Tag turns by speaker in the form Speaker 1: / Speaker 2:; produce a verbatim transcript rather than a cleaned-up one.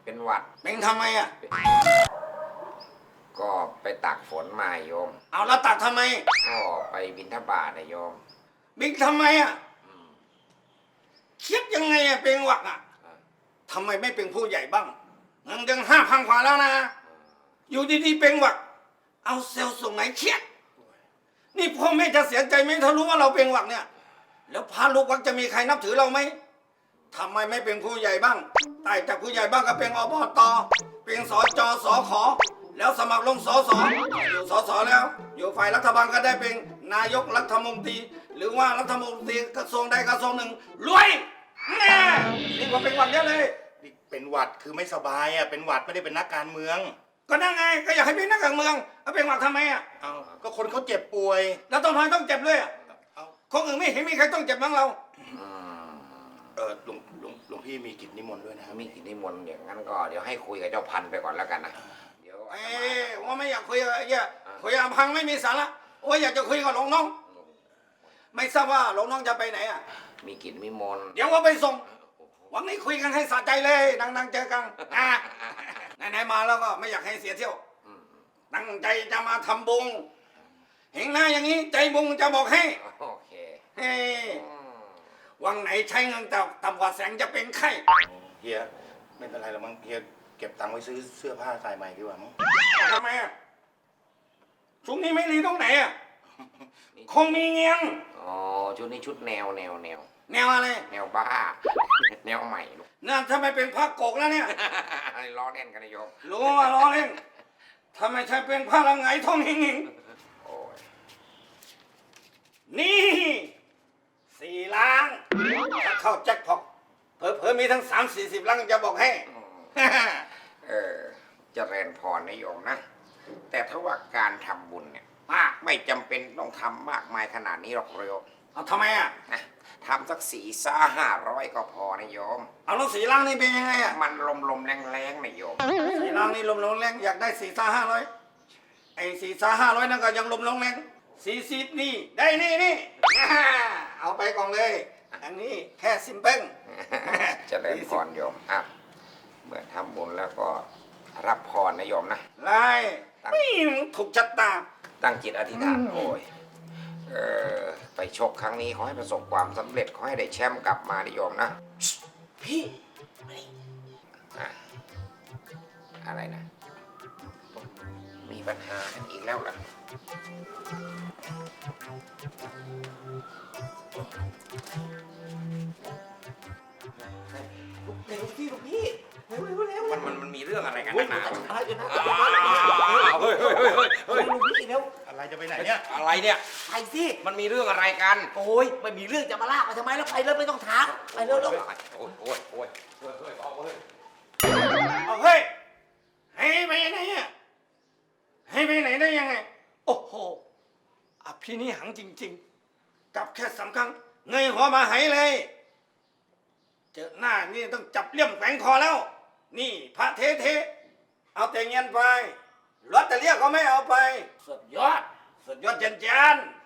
Speaker 1: เป็นหวัด
Speaker 2: เป็นทำไมอ่ะ
Speaker 1: ก็ไปตักฝนมาโยม
Speaker 2: เอาแล้วตักทำไม
Speaker 1: ก็ไปบิณฑบาตนะโยม
Speaker 2: บินทำไมอ่ะคิดยังไงอ่ะเป็นหวัดอ่ะทำไมไม่เป็นผู้ใหญ่บ้างเงินยังห้าพันกว่าแล้วนะอยู่ดีๆเป็นหวัดเอาเซลล์ส่งไหนเครียดนี่พ่อแม่จะเสียใจไหมถ้ารู้ว่าเราเป็นหวัดเนี่ยแล้วพาลูกวัดจะมีใครนับถือเราไหมทำไมไม่เป็นผู้ใหญ่บ้างไต่จากผู้ใหญ่บ้างก็เป็นอบตเป็นสจสขแล้วสมัครลงสสอยู่สสแล้วอยู่ฝ่ายรัฐบาลก็ได้เป็นนายกรัฐมนตรีหรือว่ารัฐมนตรีกระทรวงใดกระทรวงหนึ่งรวยแน่นี่ว่าเป็นหวัดเยอะเลย
Speaker 3: เป็นหวัดคือไม่สบายอ่ะเป็นหวัดไม่ได้เป็นนักการเมือง
Speaker 2: ก็นั่งไงก็อยากให้เป็นนักการเมืองเอาเป็นหวัดทำไมอ่ะ
Speaker 3: เอาก็คนเขาเจ็บป่วย
Speaker 2: แล้วต้องทำไมต้องเจ็บเลยอ่ะคนอื่นไม่เห็นมีใครต้องเจ็บบ้างเรา
Speaker 3: เออหลวงหลวงหลวงพี่มีกิจนิมนต์ด้วยนะ
Speaker 1: มีกิจนิมนต์อย่างนั้นก็เดี๋ยวให้คุยกับเจ้าพันไปก่อนแล้วกันนะเดี๋ยว
Speaker 2: เอ้ว่าไม่อยากคุยกับไอ้เหี้ยคุยกับพังไม่มีสาระว่าอยากจะคุยกับหลวงน้องไม่ทราบว่าหลวงน้องจะไปไหนอ่ะ
Speaker 1: มีกิจนิมนต์
Speaker 2: เดี๋ยวว่าไปส่งวันนี้คุยกันให้สะใจเลยนั่งๆเจอกันอ่ะไหนๆมาแล้วก็ไม่อยากให้เสียเที่ยวตั้งใจจะมาทำบุญเห็นหน้าอย่างนี้ใจบุญจะบอกให้
Speaker 1: โอเค
Speaker 2: เฮ้วังไหนใช้เงินแต่ต่ำกว่าแสงจะเป็นไข้
Speaker 3: เฮียไม่เป็นไรหรอกมั้งเฮียเก็บตังค์ไว้ซื้อเสื้อผ้าใส่ใหม่ดีกว่ามั้ง
Speaker 2: ทำไมอ่ะชุดนี้ไม่รีตรงไหนอ่ะคงมีเงี้ยง
Speaker 1: อ๋อชุดนี้ชุดแนวแนวแนว
Speaker 2: แนวอะไร
Speaker 1: แนวบ้าแนวใหม่ลูก
Speaker 2: นั่นทำไมเป็นผ้าโกกแล้วเนี่ย
Speaker 1: ล้อเล่นกันนะโยม
Speaker 2: รู้ว่าล้อเล่นทำไมใช่เป็นผ้าละไงท่องหิงหิงนี่สี่ล้างถ้าเข้าแจ็คพอตเผลอๆมีทั้งสามสี่สิบล้างจะบอกให้
Speaker 1: เออเจริญพรนะโยมนะแต่ถ้าว่าการทำบุญเนี่ยมากไม่จำเป็นต้องทำมากมายขนาดนี้หรอกโยม
Speaker 2: เอาทำไมอ่ะ
Speaker 1: นะทำสักสี่ซ่าห้าร้อยก็พอนะโยม
Speaker 2: เอาแล้วสี่ล้างนี่เป็นยังไงอ่ะ
Speaker 1: มันลมลมแรงแรงนะโยม
Speaker 2: สี่ล้างนี่ลมลมแรงอยากได้สี่ซ่าห้าร้อยไอ้สี่ซ่าห้าร้อยนั่นก็ยังลมลมแรงสี่สิบนี่ได้นี่นี่เอาไปก่อนเลยอันนี้แค่ซิมเปิล
Speaker 1: จะได้พรโยมอ่ะเมื่อทำบุญแล้วก็รับพรนะโยมนะ
Speaker 2: ไล่ไม่ถูกชัดตา
Speaker 1: ตั้งจิตอธิษฐานโอ้ยเออไปชกครั้งนี้ขอให้ประสบความสำเร็จขอให้ได้แชมป์กลับมานะโยมนะ
Speaker 2: พี่
Speaker 1: อะไรนะมีปัญหากันอีกแล้วล่ะ
Speaker 2: เร็วพี่ลูกพี่เร็วเร็วเร็ว
Speaker 1: มันมันมันมีเรื่องอะไรกันนักหนา
Speaker 3: เฮ้ยเฮ้ยเฮ้ยเฮ้ย
Speaker 2: ลูกพี่เร็ว
Speaker 3: อะไรจะไปไหนเนี่ย
Speaker 1: อะไรเนี่ย
Speaker 2: ไปสิ
Speaker 1: มันมีเรื่องอะไรกัน
Speaker 2: โอ้ยไม่มีเรื่องจะมาลากมาทำไมแล้วไปเลยไม่ต้องถามไปเร็วเร็ว
Speaker 1: โอ้ยโอ้ยโอ้ยเฮ้ยเฮ้ยเอาเฮ้ย
Speaker 2: เอาเฮ้ยให้ไปไหนอ่ะให้ไปไหนได้ยังไงโอ้โหอภินิหังจริงๆจับแค่สามครั้งเงยหัวมาหายเลยเจอหน้านี่ต้องจับเลี่ยมแฝงคอแล้วนี่พระเทเทเอาแต่เงินไปรถแต่เรียกก็ไม่เอาไปสุดยอดสุดยอดเจนเจน